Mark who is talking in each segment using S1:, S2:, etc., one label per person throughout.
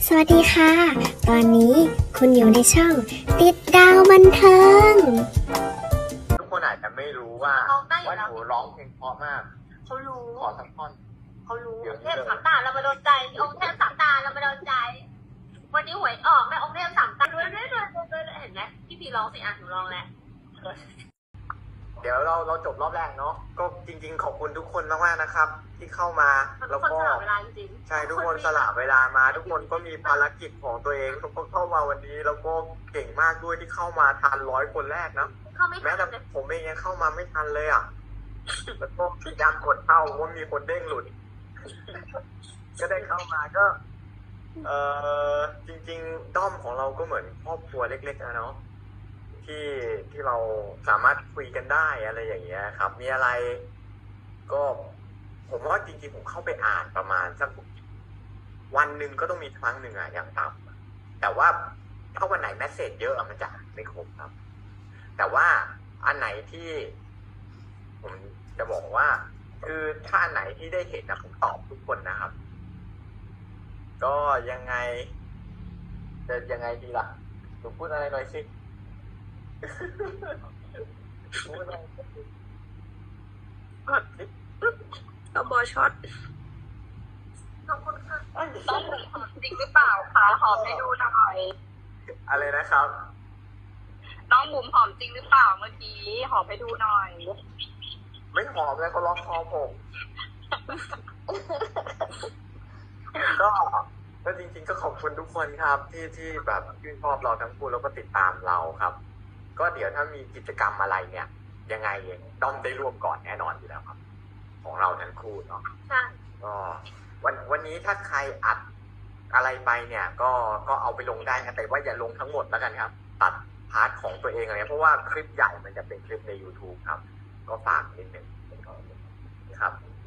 S1: สวัสดีค่ะ ตอนนี้คุณอยู่ในช่องติดดาวบันเทิง
S2: ทุกคนอาจจะไม่รู้ว่าหนูร้องเพลงเพราะมาก
S3: เขารู้
S2: ขอสักท่อน
S3: เขารู้เทพสามตาเรามาโดนใจองค์เทพสามตาเรามาโดนใจ วันนี้หวยออกแม่องค์เทพสามตาด้วยเห็นไหมพี่พีร้องสิอ่ะหนูร้องแล้ว
S2: เดี๋ยวเราจบรอบแรกเนาะก็จริงๆขอบคุณทุกคนมากๆนะครับ ที่เข้ามา
S3: ทุ
S2: แล้ว
S3: กคน
S2: ก็
S3: สละเวลาจริง
S2: ใช่ทุกคนสละเวลามา ทุกคนก็มีภารกิจของตัวเองทุกคนเข้ามาวันนี้แล้วก็เก่งมากด้วยที่เข้ามาทัน100 คนแรกนะ
S3: เขาไม่
S2: แม้
S3: ทั
S2: แต่
S3: นเลย
S2: ผมเองยังเข้ามาไม่ทันเลยอ่ะแล้วก็พยายามกดเข้าเพราะมีคนเด้งหลุด ก็ได้เข้ามาก็ จริงๆด้อมของเราก็เหมือนครอบครัวเล็กๆนะเนาะที่เราสามารถคุยกันได้อะไรอย่างเงี้ยครับ มีอะไร ก็ผมว่าจริงๆผมเข้าไปอ่านประมาณสักวันหนึ่งก็ต้องมีครั้งหนึ่งอะอย่างต่ำแต่ว่าถ้าวันไหนแมสเซจเยอะอะมันจะอ่านไม่ครบครับ แต่ว่าอันไหนที่ ผมจะบอกว่า คือถ้าอันไหนที่ได้เห็นนะผมตอบทุกคนนะครับ ก็ยังไงจะยังไงดีล่ะหนูพูดอะไรหน่อยสิ พูดอะไร
S4: ก็บอช็อต
S3: ขอบคุณค่ะ
S4: ต้องหอมจริงหรือเปล่าคะหอมให้ดูหน่อย
S2: อะไรนะครับ
S4: น้องบุ๋มหอมจริงหรือเปล่าเมื่อกี้หอมให้ดูหน่อย
S2: ไม่หอมเลยเขาล็อกคอผม ก็จริงๆก็ขอบคุณทุกคนครับ ที่แบบชื่นชอบเราทั้งคู่แล้วก็ติดตามเราครับ ก็เดี๋ยวถ้ามีกิจกรรมอะไรเนี่ย ยังไงต้องได้ร่วมก่อนแน่นอนอยู่แล้วครับ ของเราทั้งคู่เนาะ
S3: ใช่
S2: ก็วันนี้ถ้าใครอัดอะไรไปเนี่ย ก็เอาไปลงได้นะแต่ว่าอย่าลงทั้งหมดแล้วกันครับ ตัดพาร์ทของตัวเองอะไรเพราะว่าคลิปใหญ่มันจะเป็นคลิปใน YouTube ครับ ก็ฝากนิดนึงครับ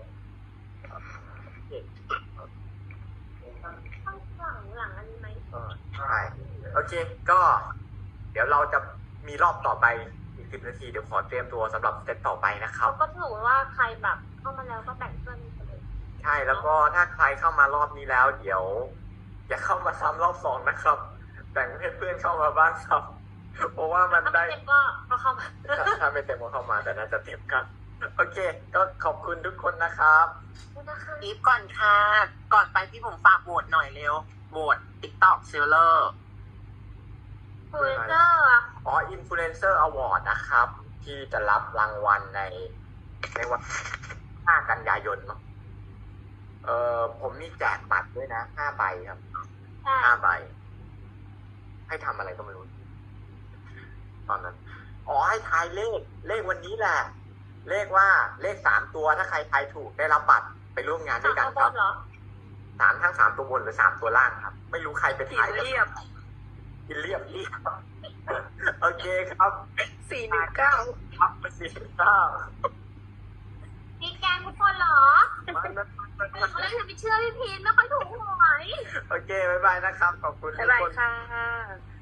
S3: หลังอันนี้ไหม
S2: ใช่โอเคก็ เดี๋ยวเราจะมีรอบต่อไปอีก10 นาทีเดี๋ยวขอเตรียมตัวสำหรับเซตต่อไปนะครับ
S3: ก็ถือว่าใครแบบเข้ามาแล้วก็แบ่งเพื่อนไปเลย
S2: ใช่แล้วก็ถ้าใครเข้ามารอบนี้แล้ว เดี๋ยว อย่าเข้ามาซ้ำรอบ2นะครับแบ่งให้เพื่อนเข้ามาบ้างครับ เพราะว่ามัน
S3: ถ้า
S2: ได้
S3: ไม่เต็มก็เข้ามา
S2: ถ้าไม่เต็มก็เข้ามาแต่น่าจะเต็มครับ โอเค ก็ขอบคุณทุกคนนะครับ
S5: อีฟก่อนค่ะ ก่อนไปพี่ผมฝากโหวตหน่อยเร็วโหวต TikTok Seller
S3: คุยเจอร์
S2: อ๋อ Influencer Award นะครับ ที่จะรับรางวัลในวัน5 กันยายนเนาะผมมีแจกบัตรด้วยนะ5 ใบครับ
S3: ใช่
S2: 5 ใบ ให้ทำอะไรก็ไม่รู้ ตอนนั้น อ๋อ ให้ทายเลขวันนี้แหละ เลขว่าเลข3 ตัวถ้าใครทายถูกได้รับบัตรไปร่วมงานด้วยกัน
S3: บ
S2: ครับ
S3: นเหรอ
S2: ทั้ง3 ตัวบนหรือ3 ตัวล่างครับ ไม่รู้ใครเป็น
S4: สี
S2: ทาย
S4: เรียบ
S2: กินเรียบ โอเคครับ
S4: 419
S2: ครับไปสิข้าว
S3: มีแกงทุกคนเหรอเขาเลยไปเชื่อพี่พีนไม่ค่อยถูกหวย
S2: โอเค บ๊ายบายนะครับ ขอบคุณทุ
S4: บ๊าก ยบาย
S2: คน
S4: ค่ะ